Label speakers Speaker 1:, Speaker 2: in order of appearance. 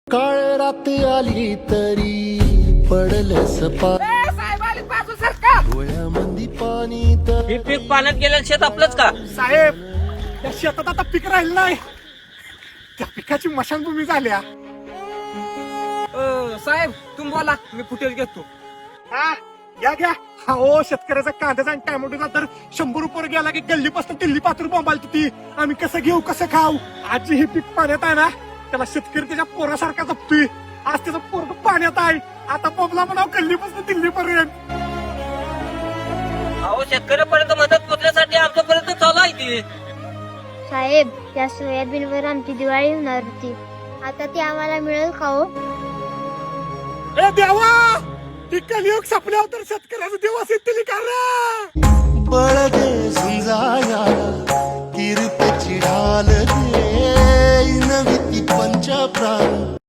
Speaker 1: काळ रात आली तरी पडलं सपा
Speaker 2: साहेब आले बाजू सरकार.
Speaker 1: डोळ्यामंदी पाणी तर
Speaker 3: हे पीक पाण्यात गेलेलं शेत आपलंच का?
Speaker 2: साहेब त्या शेतात आता पीक राहिलं नाही, त्या पिकाची मशानभूमी झाल्या. साहेब तुम्ही बोला, मी फुटेज घेतो. हा घ्या घ्या. हा ओ शेतकऱ्याचा कांद्याचा आणि टॅमॅटोचा तर 100 रुपये गेला की गल्लीपासून दिल्ली पात्र बोंबाल ती. आम्ही कसं घेऊ कसं खाऊ? आजी हे पीक पाण्यात आहे ना, त्याला शेतकरी त्याच्या पोरासारखा जपतोय. आज त्याचं पोरग पाण्यात आहे, आता बोंबला म्हणाव गल्लीपासून दिल्लीपर्यंत.
Speaker 3: अहो शेतकऱ्यापर्यंत मदत पोहोचण्यासाठी आमच्यापर्यंत चालू आहे ती.
Speaker 4: साहेब त्या सोयाबीनवर आमची दिवाळी होणार होती, आता ती आम्हाला मिळेल का हो?
Speaker 2: ए देवा, ती कलियुग संपल्यावर तर शेतकऱ्याचा दिवस येतील का रे?
Speaker 1: बळ दे झुंजाया किरपेची ढाल दे नवी ती पंच प्राण